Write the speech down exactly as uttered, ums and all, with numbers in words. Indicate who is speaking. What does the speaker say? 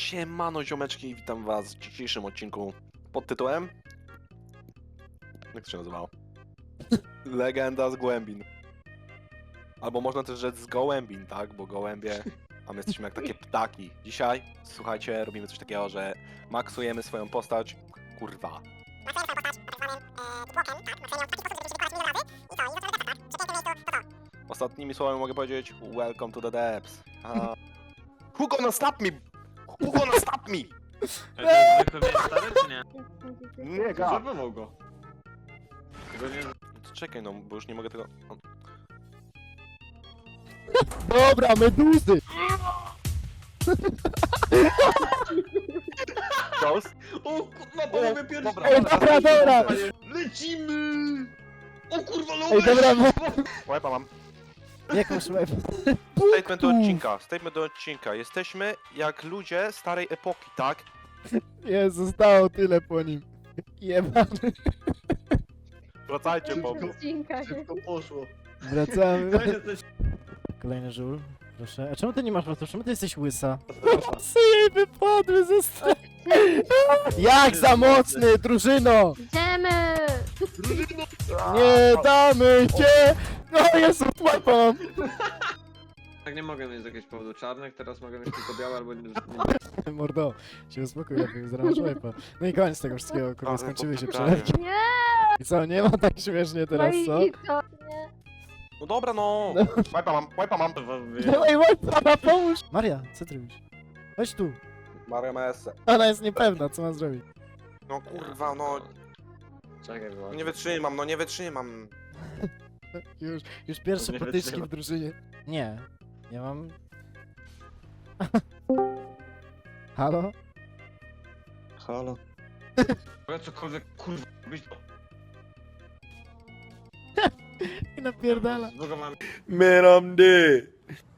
Speaker 1: Siemano ziomeczki, witam was w dzisiejszym odcinku pod tytułem... Jak to się nazywało? Legenda z Głębin. Albo można też rzec z Gołębin, tak? Bo gołębie, a my jesteśmy jak takie ptaki. Dzisiaj, słuchajcie, robimy coś takiego, że maksujemy swoją postać. Kurwa. Ostatnimi słowami mogę powiedzieć welcome to the depths. A... Who gonna stop me? Who gonna stop me?
Speaker 2: Ale to jest zwykły miecz stary, czy nie?
Speaker 1: Nie, ga.
Speaker 2: Zabawał go. Tego nie...
Speaker 1: To czekaj, no, bo już nie mogę tego... O,
Speaker 3: Dobra, meduzy!
Speaker 1: Ghost?
Speaker 2: O kurwa, panowie pierwszy!
Speaker 1: dobra,
Speaker 3: Ej, dobra, dobra!
Speaker 2: Lecimy! O kurwa, no
Speaker 3: Ej, dobra, no.
Speaker 1: Łepa mam.
Speaker 3: Jakąś łeb.
Speaker 1: Statement do odcinka, statement do odcinka. Jesteśmy jak ludzie starej epoki, tak?
Speaker 3: Nie, zostało tyle po nim. Jebany.
Speaker 1: Wracajcie, po mnie.
Speaker 4: Odcinka, nie?
Speaker 2: Szybko poszło.
Speaker 3: Wracamy.
Speaker 2: To jesteś...
Speaker 3: Kolejny żul, proszę. A czemu ty nie masz włosów? Czemu ty jesteś łysa? Psy jej wypadły ze strony. Jak za mocny, drużyno!
Speaker 4: Idziemy!
Speaker 3: Nie damy cię! No Jezu, łapa mam.
Speaker 2: Tak nie mogę mieć z jakiegoś powodu czarnych, teraz mogę mieć tylko białe albo...
Speaker 3: Mordo, się uspokój, lepiej zaraz łapa. No i koniec tego wszystkiego, kurwa,
Speaker 1: Ale
Speaker 3: skończyły się
Speaker 1: popytanie.
Speaker 3: przelewki.
Speaker 4: Nie!
Speaker 3: I co, nie ma tak śmiesznie teraz,
Speaker 4: No i
Speaker 3: co?
Speaker 4: i to, nie?
Speaker 1: No dobra, no. Łepa mam, łepa mam.
Speaker 3: No i łapa, pomóż! Maria, co ty robisz? Chodź tu.
Speaker 1: Maria ma esse.
Speaker 3: Ona jest niepewna, co ma zrobić.
Speaker 1: No kurwa, no.
Speaker 2: Czekaj, bo...
Speaker 1: Nie wytrzymam, no nie wytrzymam.
Speaker 3: Już, już pierwsze
Speaker 2: Nie
Speaker 3: potyczki
Speaker 2: wytrzyma.
Speaker 3: w drużynie. Nie, ja mam... Halo?
Speaker 2: Halo? Mogę cokolwiek, kurwa, robić to...
Speaker 3: I napierdala.
Speaker 2: Zbugowałem.
Speaker 1: Miramdy.